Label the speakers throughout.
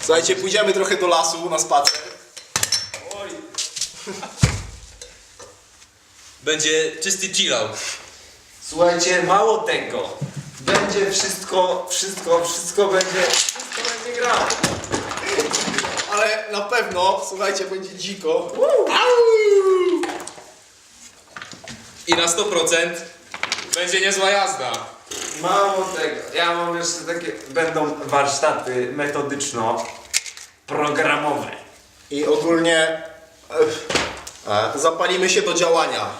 Speaker 1: Słuchajcie, pójdziemy trochę do lasu na spacer.
Speaker 2: Oj. Będzie czysty chillout.
Speaker 3: Słuchajcie, mało tego. Będzie wszystko będzie grało.
Speaker 1: Ale na pewno, słuchajcie, będzie dziko.
Speaker 2: I na 100% będzie niezła jazda.
Speaker 3: Mało tego. Ja mam jeszcze takie, będą warsztaty metodyczno-programowe.
Speaker 1: I ogólnie zapalimy się do działania.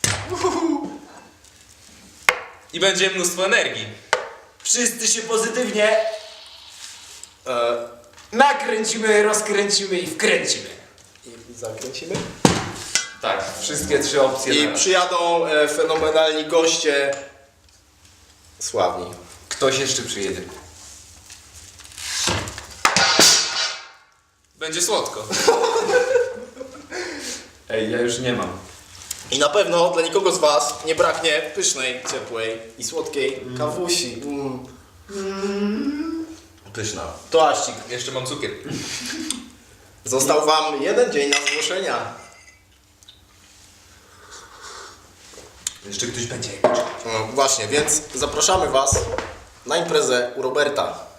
Speaker 2: I będzie mnóstwo energii.
Speaker 3: Wszyscy się pozytywnie nakręcimy, rozkręcimy i wkręcimy.
Speaker 1: I zakręcimy.
Speaker 3: Tak, wszystkie trzy opcje.
Speaker 1: I
Speaker 3: naraz.
Speaker 1: przyjadą fenomenalni goście. Sławni.
Speaker 3: Ktoś jeszcze przyjedzie.
Speaker 2: Będzie słodko.
Speaker 3: Ej, ja już nie mam.
Speaker 1: I na pewno dla nikogo z was nie braknie pysznej, ciepłej i słodkiej kawusi. Pyszna. Toaścik.
Speaker 2: Jeszcze mam cukier.
Speaker 1: Został wam 1 dzień na zgłoszenia.
Speaker 3: Jeszcze ktoś będzie.
Speaker 1: No, właśnie, więc zapraszamy was na imprezę u Roberta.